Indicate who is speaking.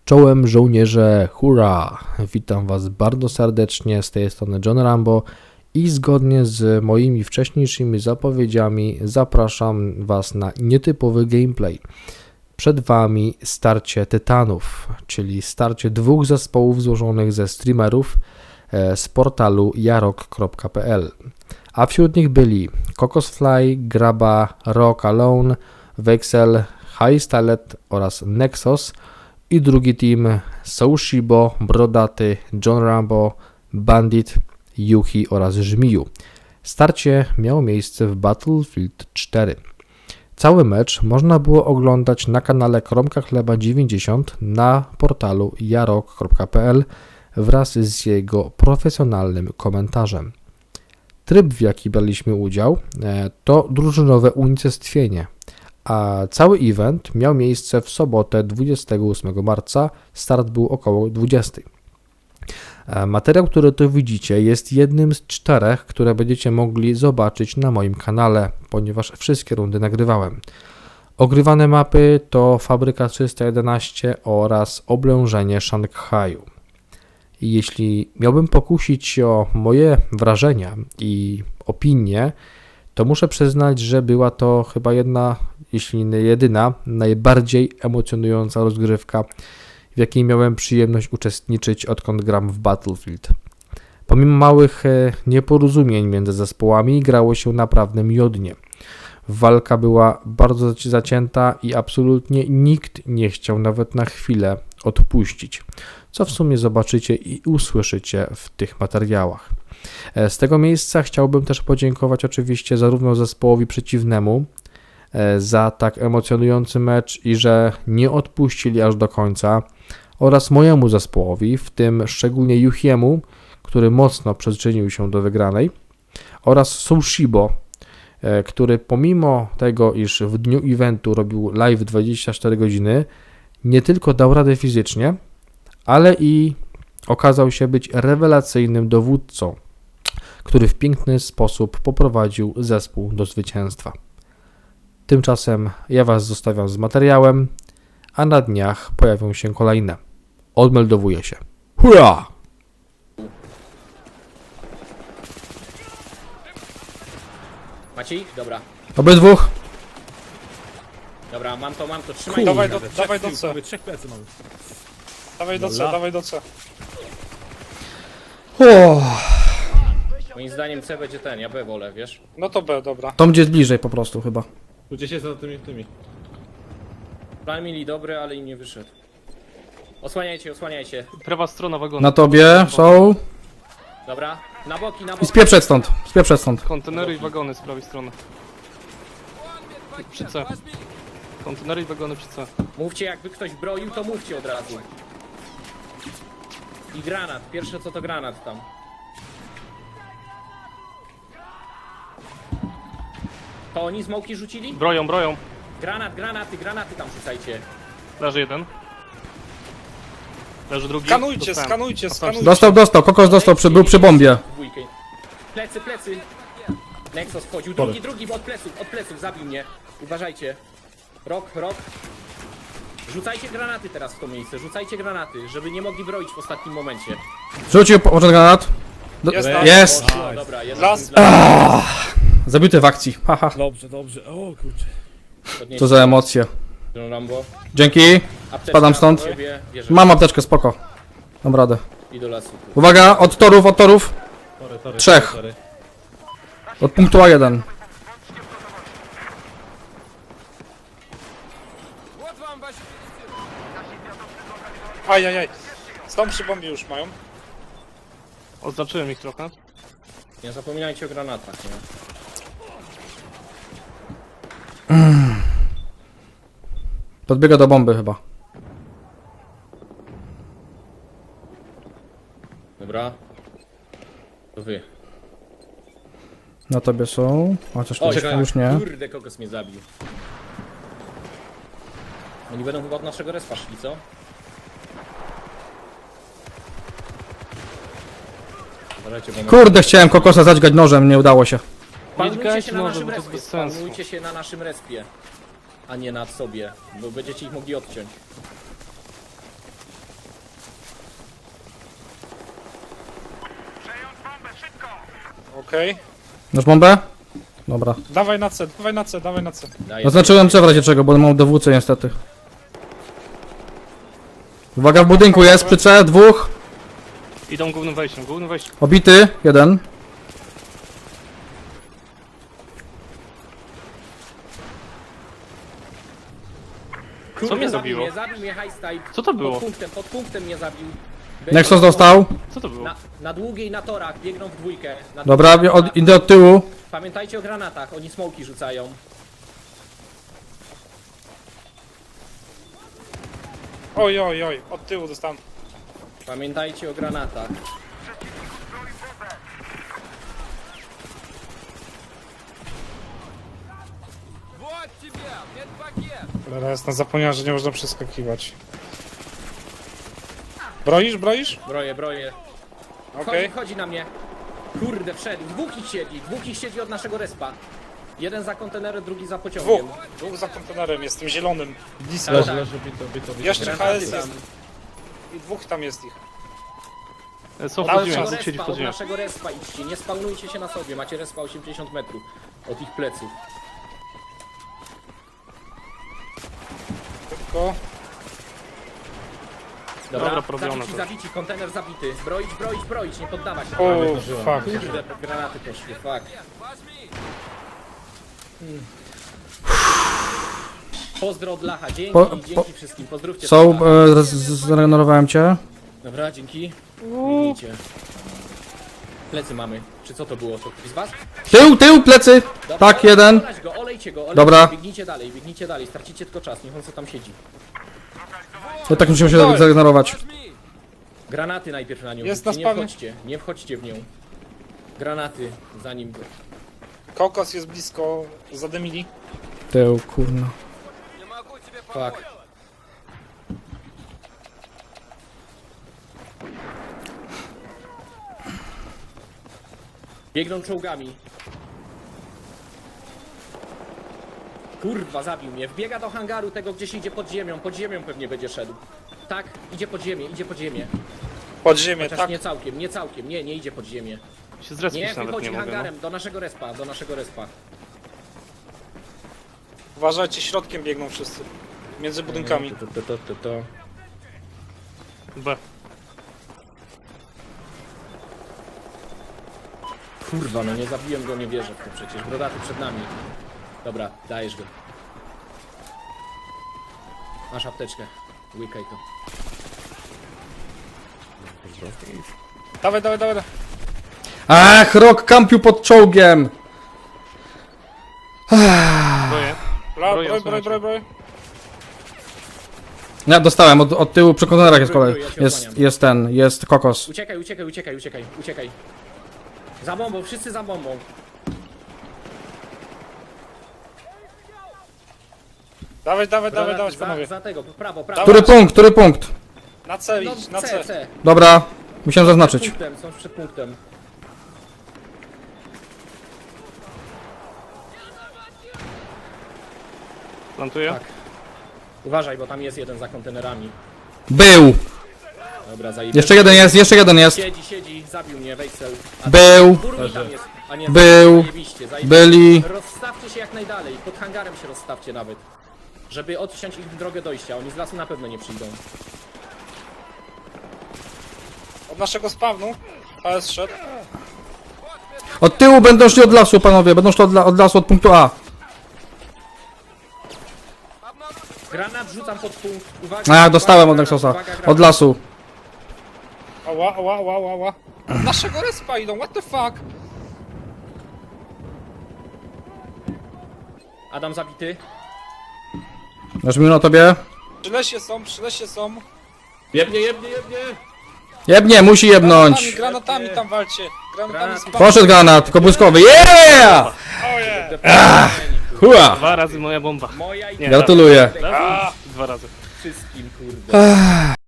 Speaker 1: Czołem żołnierze, hurra! Witam Was bardzo serdecznie, z tej strony John Rambo i zgodnie z moimi wcześniejszymi zapowiedziami zapraszam Was na nietypowy gameplay. Przed Wami starcie tytanów, czyli starcie dwóch zespołów złożonych ze streamerów z portalu jarok.pl. A wśród nich byli Kokosfly, Graba, Rock Alone, Vexel, High Stylet oraz Nexus i drugi team Soushibo, Brodaty, John Rambo, Bandit, Yuhi oraz Żmiju. Starcie miało miejsce w Battlefield 4. Cały mecz można było oglądać na kanale Kromka Chleba 90 na portalu jarok.pl wraz z jego profesjonalnym komentarzem. Tryb, w jaki braliśmy udział, to drużynowe unicestwienie, a cały event miał miejsce w sobotę 28 marca, start był około 20. Materiał, który tu widzicie, jest jednym z 4, które będziecie mogli zobaczyć na moim kanale, ponieważ wszystkie rundy nagrywałem. Ogrywane mapy to Fabryka 311 oraz Oblężenie Szanghaju. I jeśli miałbym pokusić się o moje wrażenia i opinie, to muszę przyznać, że była to chyba jedna, jeśli nie jedyna, najbardziej emocjonująca rozgrywka, w jakiej miałem przyjemność uczestniczyć, odkąd gram w Battlefield. Pomimo małych nieporozumień między zespołami grało się naprawdę miodnie. Walka była bardzo zacięta i absolutnie nikt nie chciał nawet na chwilę odpuścić, co w sumie zobaczycie i usłyszycie w tych materiałach. Z tego miejsca chciałbym też podziękować oczywiście zarówno zespołowi przeciwnemu za tak emocjonujący mecz i że nie odpuścili aż do końca, oraz mojemu zespołowi, w tym szczególnie Yuhiemu, który mocno przyczynił się do wygranej, oraz Soushibo, który pomimo tego, iż w dniu eventu robił live 24 godziny, nie tylko dał radę fizycznie, ale i okazał się być rewelacyjnym dowódcą, który w piękny sposób poprowadził zespół do zwycięstwa. Tymczasem ja Was zostawiam z materiałem, a na dniach pojawią się kolejne. Odmeldowuję się. Hurra!
Speaker 2: Macie ich? Dobra.
Speaker 1: Obydwóch.
Speaker 2: Dobra, mam to, trzymaj.
Speaker 3: Dawaj
Speaker 2: ich.
Speaker 3: dawaj do C.
Speaker 4: Mamy trzech plecy mamy.
Speaker 3: Dawaj do C,
Speaker 4: Dobra.
Speaker 3: dawaj do C.
Speaker 2: Moim zdaniem C będzie ten, ja B wolę, wiesz?
Speaker 3: No to B, dobra.
Speaker 1: To będzie bliżej po prostu chyba.
Speaker 4: Tu gdzieś jest za tymi.
Speaker 2: Plan mieli dobry, ale im nie wyszedł. Osłaniajcie.
Speaker 5: Prawa strona wagonu.
Speaker 1: Na tobie są.
Speaker 2: Dobra, na boki.
Speaker 1: I spieprzeć stąd. Spieprzeć stąd.
Speaker 5: Kontenery i wagony z prawej strony. Przy C. Kontenery i wagony przy C.
Speaker 2: Mówcie, jakby ktoś broił, to mówcie od razu. I granat, pierwsze co to granat tam. To oni smoki rzucili?
Speaker 5: Broją.
Speaker 2: Granaty tam rzucajcie.
Speaker 5: Leży jeden. Leży drugi.
Speaker 3: Skanujcie,
Speaker 5: Dostałem.
Speaker 3: skanujcie.
Speaker 1: Dostał. Kokos dostał, był przy bombie.
Speaker 2: Dwójkę. Plecy. Nexus wchodził, drugi od pleców, zabił mnie. Uważajcie. Rok. Rzucajcie granaty teraz w to miejsce, żeby nie mogli broić w ostatnim momencie.
Speaker 1: Rzucił początek granat. Jest!
Speaker 2: Poszło, dobra,
Speaker 3: Las.
Speaker 1: Zabity w akcji. Haha.
Speaker 4: Dobrze. O kurczę.
Speaker 1: Co za emocje.
Speaker 2: John Rambo.
Speaker 1: Dzięki.
Speaker 2: Apteczka
Speaker 1: Spadam stąd.
Speaker 2: do ciebie, bierzesz.
Speaker 1: Mam apteczkę, spoko. Dam radę.
Speaker 2: I do lasu.
Speaker 1: Uwaga, od torów.
Speaker 4: Tory.
Speaker 1: Trzech.
Speaker 4: Tory.
Speaker 1: Od punktu A1.
Speaker 3: Ajajaj. Stąd przy bombie już mają.
Speaker 5: Oznaczyłem ich trochę.
Speaker 2: Nie zapominajcie o granatach, nie?
Speaker 1: Podbiega do bomby chyba.
Speaker 2: Dobra. To wy.
Speaker 1: Na tobie są. Chociaż to już nie.
Speaker 2: Kurde, kokos mnie zabił. Oni będą chyba od naszego respa szli, co? Uważajcie, bo
Speaker 1: Kurde, chciałem kokosa zadźgać nożem, nie udało się.
Speaker 2: Panujcie się na
Speaker 5: może,
Speaker 2: naszym
Speaker 5: bo to jest
Speaker 2: respie.
Speaker 5: bez sensu.
Speaker 2: Panujcie się na naszym respie. A nie nad sobie, bo będziecie ich mogli odciąć.
Speaker 3: Okej.
Speaker 1: Masz bombę? Dobra.
Speaker 3: Dawaj na C, dawaj na C, dawaj na C.
Speaker 2: Daję.
Speaker 1: Zaznaczyłem C w razie czego, bo mam dowódcę niestety. Uwaga, w budynku jest przy C, dwóch.
Speaker 5: Idą głównym wejściem,
Speaker 1: Obity, jeden.
Speaker 2: Kurde,
Speaker 5: mnie
Speaker 2: zabił
Speaker 5: zabiło?
Speaker 2: mnie, zabił mnie Highstyle.
Speaker 5: Co to było?
Speaker 2: Pod punktem mnie zabił.
Speaker 1: Nexus dostał.
Speaker 5: Co to było?
Speaker 2: Na długiej, na torach, biegną w dwójkę. Na
Speaker 1: Dobra,
Speaker 2: długiej, na torach.
Speaker 1: idę od tyłu.
Speaker 2: Pamiętajcie o granatach, oni smoki rzucają.
Speaker 3: Oj, oj, oj, od tyłu dostałem.
Speaker 2: Pamiętajcie o granatach.
Speaker 3: Cholera jasna, zapomniałem, że nie można przeskakiwać. Broisz, broisz?
Speaker 2: Broję.
Speaker 3: Okej.
Speaker 2: Chodzi na mnie. Kurde, wszedł. Dwóch ich siedzi od naszego respa. Jeden za kontenerem, drugi za pociągiem.
Speaker 3: Dwóch za kontenerem, jest tym zielonym. Blisko.
Speaker 2: Tak,
Speaker 4: Leży,
Speaker 2: tak.
Speaker 4: leży, bito.
Speaker 3: Jeszcze
Speaker 2: Granaty
Speaker 3: HS
Speaker 2: tam.
Speaker 3: jest. I dwóch tam jest ich.
Speaker 5: Są
Speaker 2: Od
Speaker 5: w podziemiach,
Speaker 2: naszego
Speaker 5: dwóch siedzi w
Speaker 2: respa, od
Speaker 5: podziemiach.
Speaker 2: naszego respa idźcie, nie spawnujcie się na sobie, macie respa 80 metrów od ich pleców.
Speaker 3: Tylko.
Speaker 5: Dobra, porobione
Speaker 2: zabici, kontener zabity. Broić, nie poddawać się.
Speaker 3: O,
Speaker 4: zdążyłem.
Speaker 3: fuck.
Speaker 2: Kurde, granaty poszły, fuck. Pozdro od Lacha, dzięki wszystkim, pozdrówcie.
Speaker 1: Są,
Speaker 2: Lacha.
Speaker 1: zregenerowałem cię.
Speaker 2: Dobra, dzięki. Biegnijcie. Plecy mamy. Czy co to było? To ktoś z was?
Speaker 1: Tył, plecy.
Speaker 2: Dobra,
Speaker 1: Tak, jeden.
Speaker 2: Olejcie go.
Speaker 1: Dobra.
Speaker 2: Biegnijcie dalej, stracicie tylko czas, niech on co tam siedzi.
Speaker 1: Ja tak musimy się zregenerować.
Speaker 2: Granaty najpierw na nią.
Speaker 3: Jest
Speaker 2: rzućcie,
Speaker 3: na spawnie.
Speaker 2: nie wchodźcie w nią. Granaty, zanim go.
Speaker 3: Kokos jest blisko, zadymili.
Speaker 1: Tył, kurna.
Speaker 2: Fuck. Biegną czołgami. Kurwa, zabił mnie. Wbiega do hangaru tego, gdzieś idzie pod ziemią. Pod ziemią pewnie będzie szedł. Tak, idzie pod ziemię.
Speaker 3: Pod ziemię,
Speaker 2: Chociaż
Speaker 3: tak.
Speaker 2: nie całkiem. Nie idzie pod ziemię.
Speaker 5: Się zrespić
Speaker 2: Nie,
Speaker 5: nawet
Speaker 2: wychodzi
Speaker 5: nie mogę, no.
Speaker 2: hangarem, do naszego respa.
Speaker 3: Uważajcie, środkiem biegną wszyscy. Między budynkami.
Speaker 2: To.
Speaker 5: B.
Speaker 2: Kurwa, no nie zabiłem go, nie wierzę w to przecież. Brodaty przed nami. Dobra, dajesz go. Masz apteczkę. Łykaj to.
Speaker 3: Dawaj.
Speaker 1: Ach, rok kampił pod czołgiem.
Speaker 5: Boję.
Speaker 3: Broj.
Speaker 1: Ja dostałem, od tyłu przy kontenerach jest kolej.
Speaker 2: Ja się osłaniam.
Speaker 1: Jest kokos.
Speaker 2: Uciekaj. Za bombą, wszyscy za bombą.
Speaker 3: Dawaj,
Speaker 2: Brodaty,
Speaker 3: panowie.
Speaker 2: za tego, prawo.
Speaker 1: Który punkt?
Speaker 3: Na C
Speaker 2: No,
Speaker 3: idź, na C.
Speaker 2: C.
Speaker 1: Dobra, musiałem zaznaczyć.
Speaker 2: Są przed punktem.
Speaker 5: Plantuję.
Speaker 2: Tak. Uważaj, bo tam jest jeden za kontenerami.
Speaker 1: Był.
Speaker 2: Dobra, zajebiście.
Speaker 1: Jeszcze jeden jest.
Speaker 2: Siedzi, zabił mnie, Wejsel.
Speaker 1: Był.
Speaker 2: Burmi tam jest. A nie,
Speaker 1: Był.
Speaker 2: zajebiście.
Speaker 1: Byli.
Speaker 2: Rozstawcie się jak najdalej, pod hangarem się rozstawcie nawet. Żeby odciąć ich drogę dojścia, oni z lasu na pewno nie przyjdą.
Speaker 3: Od naszego spawnu. HS szedł.
Speaker 1: Od tyłu będą szli od lasu, panowie. Będą szli od lasu, od punktu A.
Speaker 2: Granat rzucam pod punkt. Uwaga,
Speaker 1: A, dostałem od
Speaker 2: granat,
Speaker 1: Nexusa.
Speaker 2: uwaga, granat.
Speaker 1: Od lasu.
Speaker 3: Ała. Od naszego respa idą, what the fuck?
Speaker 2: Adam zabity.
Speaker 1: Masz minut na tobie?
Speaker 3: Przy lesie są.
Speaker 4: Jebnie!
Speaker 1: Jebnie, musi jebnąć.
Speaker 3: Granatami tam walcie. Granatami spawn.
Speaker 1: Poszedł granat, tylko błyskowy. Yeah! Hua!
Speaker 5: 2 razy moja bomba.
Speaker 2: Moja i
Speaker 5: Nie,
Speaker 1: Gratuluję.
Speaker 5: raz, 2 razy.
Speaker 2: wszystkim, kurde.